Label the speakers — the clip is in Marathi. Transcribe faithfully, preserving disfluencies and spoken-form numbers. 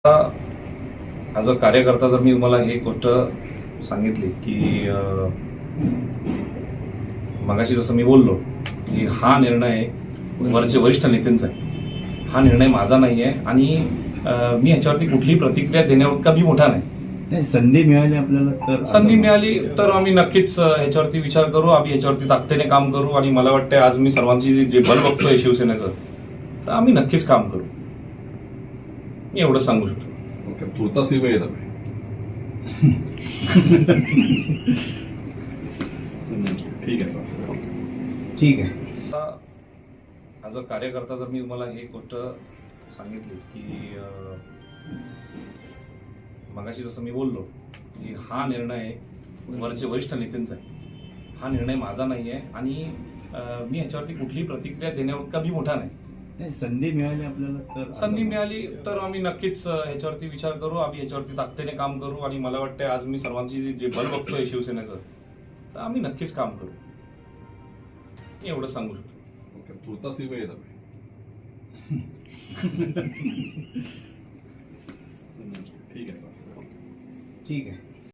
Speaker 1: ॲज अ कार्यकर्ता जर मी तुम्हाला ही गोष्ट सांगितली की मगाशी जसं मी बोललो की हा निर्णय वरचे वरिष्ठ नेत्यांचा आहे, हा निर्णय माझा नाही आहे आणि मी ह्याच्यावरती कुठलीही प्रतिक्रिया देण्यावर कमी मोठा नाही.
Speaker 2: नाही, संधी मिळाली आपल्याला तर
Speaker 1: संधी मिळाली तर आम्ही नक्कीच ह्याच्यावरती विचार करू, आम्ही ह्याच्यावरती ताकदीने काम करू आणि मला वाटतं आज मी सर्वांची जे बल बघतोय शिवसेनेचं, तर आम्ही नक्कीच काम करू. मी एवढं सांगू शकतो.
Speaker 3: ओके, तुर्तास ही वेळ आहे. ठीक आहे सर.
Speaker 2: ठीक आहे.
Speaker 1: ॲज अ कार्यकर्ता जर मी तुम्हाला ही गोष्ट सांगितली की मगाशी जसं मी बोललो की हा निर्णय वरचे वरिष्ठ नेत्यांचा आहे, हा निर्णय माझा नाही आहे आणि मी ह्याच्यावरती कुठलीही प्रतिक्रिया देण्यावर कमी मोठा नाही.
Speaker 2: नाही, संधी मिळाली आपल्याला तर
Speaker 1: संधी मिळाली तर आम्ही नक्कीच ह्याच्यावरती विचार करू, आम्ही ह्याच्यावरती ताकदीने काम करू आणि मला वाटतं आज मी सर्वांची जे बल बघतोय शिवसेनेचं, तर आम्ही नक्कीच काम करू. मी एवढं सांगू शकतो.
Speaker 3: ओके, तुर्तास ही वेळ आहे.
Speaker 2: ठीक आहे.